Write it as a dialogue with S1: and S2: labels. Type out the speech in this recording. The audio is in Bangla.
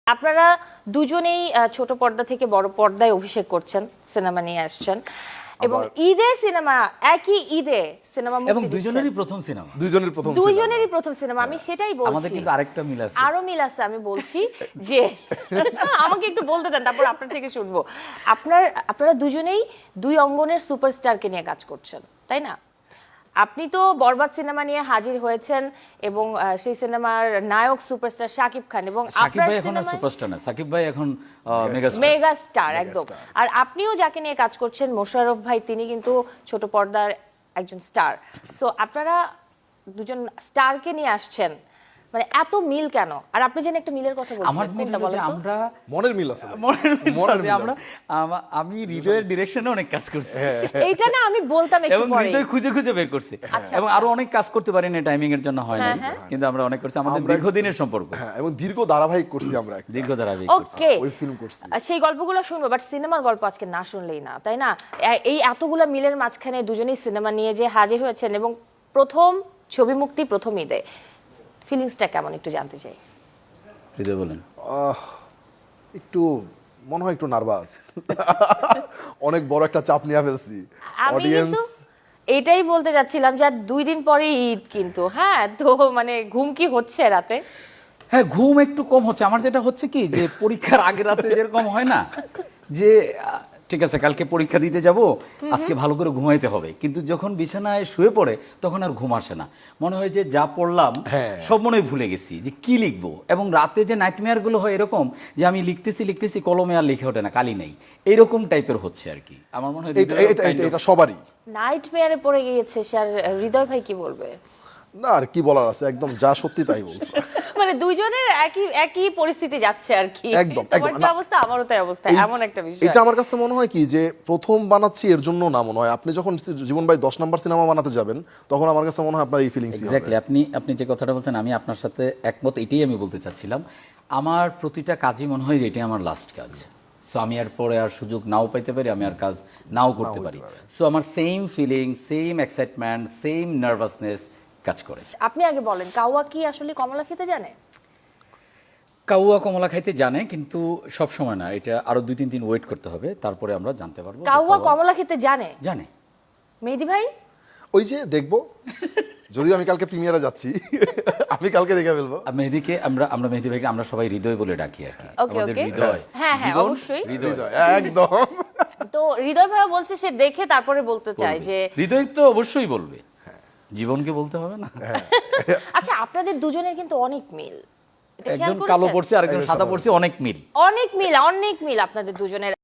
S1: আপনারা দুজনেই ছোট পর্দা থেকে বড় পর্দায় অভিষেক করছেন, সিনেমা নিয়ে আসছেন এবং ঈদে সিনেমা, একই ঈদে সিনেমা
S2: এবং দুজনেরই প্রথম সিনেমা,
S1: দুজনেরই প্রথম সিনেমা। আমি সেটাই বলছি,
S2: আমাদের কিন্তু আরেকটা মিল আছে,
S1: আরো মিল আছে। আমি বলছি যে আমাকে একটু বলতে দেন, তারপর আপনার থেকে শুনবো। আপনারা দুজনেই দুই অঙ্গনের সুপারস্টারকে নিয়ে কাজ করছেন, তাই না? আপনি তো বরবাদ সিনেমা নিয়ে হাজির হয়েছেন এবং সেই সিনেমার নায়ক সুপারস্টার শাকিব খান, এবং
S2: সাকিব ভাই এখন সুপারস্টার না, সাকিব ভাই এখন
S1: মেগা স্টার একদম। আর আপনিও যাকে নিয়ে কাজ করছেন মোশাররফ ভাই, তিনি কিন্তু ছোট পর্দার একজন স্টার। সো আপনারা দুজন স্টারকে নিয়ে আসছেন, মানে এত মিল কেন? আর আপনি যেন একটা মিলের কথা বলছেন,
S2: আমার মিল হচ্ছে আমরা
S3: মনের মিল আছে,
S2: আমরা আমি হৃদয়ের ডিরেকশনে অনেক কাজ করছি,
S1: এইটা না আমি বলতাম একটু
S2: এবং
S1: পরে,
S2: হৃদয় খুঁজে খুঁজে বের করছি, এবং আরো অনেক কাজ করতে পারি না, টাইমিং এর জন্য হয় না, কিন্তু আমরা অনেক করছি। আমাদের দীর্ঘদিনের সম্পর্ক,
S3: এবং দীর্ঘ ধারাবাহিক করছি আমরা,
S2: দীর্ঘ ধারাবাহিক
S1: ওকে,
S3: ওই ফিল্ম করছি।
S1: সেই গল্পগুলো শুনবো, বাট সিনেমার গল্প আজকে না শুনলেই না, তাই না? এই এতগুলা মিলের মাঝখানে দুজনেই সিনেমা নিয়ে যে হাজির হয়েছেন এবং প্রথম ছবি মুক্তি প্রথম ঈদে, ফিলিংসটা কেমন একটু জানতে চাই।
S2: হৃদয় বলেন।
S3: একটু মনে হয় একটু নার্ভাস, অনেক বড় একটা চাপ নিয়ে ফেলছি।
S1: আমি কিন্তু এটাই বলতে যাচ্ছিলাম যে আর 2 দিন পরে ঈদ, কিন্তু হ্যাঁ, তো মানে ঘুম কি হচ্ছে রাতে?
S2: হ্যাঁ, ঘুম একটু কম হচ্ছে। আমার যেটা হচ্ছে কি, যে পরীক্ষার আগে রাতে যেরকম হয় না, যে ঠিক আছে কালকে পরীক্ষা দিতে যাব, আজকে ভালো করে ঘুমাইতে হবে, কিন্তু যখন বিছানায় শুয়ে পড়ে তখন আর ঘুম আসে না। মনে হয় যে যা পড়লাম সব মনে হয় ভুলে গেছি, যে কি লিখবো। এবং রাতে যে নাইটমেয়ার গুলো হয় এরকম, যে আমি লিখতেছি কলমে আর লিখে ওঠে না, কালি নেই, এরকম টাইপের হচ্ছে আর কি। আমার মনে হয়
S3: এটা সবারই
S1: নাইটমেয়ারে পড়ে গিয়েছে। স্যার হৃদয় ভাই কি বলবে?
S3: না, আর কি বলার আছে, একদম যা সত্যি তাই বলছে।
S1: মানে দুইজনের একই পরিস্থিতি যাচ্ছে আর কি,
S3: একদম
S1: তোমার যে অবস্থা আমারও তাই অবস্থা, এমন একটা বিষয়।
S3: এটা আমার কাছে মনে হয় কি, যে প্রথম বানাচ্ছি এর জন্য না, মনে হয় আপনি যখন জীবন ভাই 10 নাম্বার সিনেমা বানাতে যাবেন, তখন আমার কাছে মনে হয় আপনার এই ফিলিংস।
S2: এক্স্যাক্টলি, আপনি যে কথাটা বলছেন আমি আপনার সাথে একমত। এটাই আমি বলতে চাচ্ছিলাম, আমার প্রতিটা কাজই মনে হয় এটাই আমার লাস্ট কাজ। সো আমি আর পরে আর সুযোগ নাও পাইতে পারি, আমি আর কাজ নাও করতে পারি। সো আমার same feeling, same excitement, same nervousness কাজ করে।
S1: আপনি আগে বলেন, কাওয়া কি আসলে কমলা খেতে জানে?
S2: কাউয়া কমলা খাইতে জানে, কিন্তু সব সময় না, এটা আরো 2-3 দিন ওয়েট করতে হবে, তারপরে আমরা জানতে পারবো।
S1: কাওয়া কমলা খেতে জানে?
S2: জানে।
S1: মেহেদী ভাই?
S3: ওই যে দেখবো, যদিও আমি কালকে প্রিমিয়ারে যাচ্ছি, আমি কালকে দেখে ফেলবো।
S2: মেহেদীকে আমরা মেহেদী ভাইকে আমরা সবাই হৃদয় বলে ডাকি আর কি। আমাদের হৃদয়,
S1: হ্যাঁ
S2: জীবন,
S1: অবশ্যই
S3: হৃদয় একদম।
S1: তো হৃদয় ভাই বলছে সে দেখে তারপরে বলতে চায় যে
S2: হৃদয় তো অবশ্যই বলবে, জীবনকে বলতে হবে না।
S1: আচ্ছা, আপনাদের দুজনের কিন্তু অনেক মিল,
S2: একজন কালো পড়ছে আরেকজন সাদা পড়ছে, অনেক মিল
S1: অনেক মিল আপনাদের দুজনের।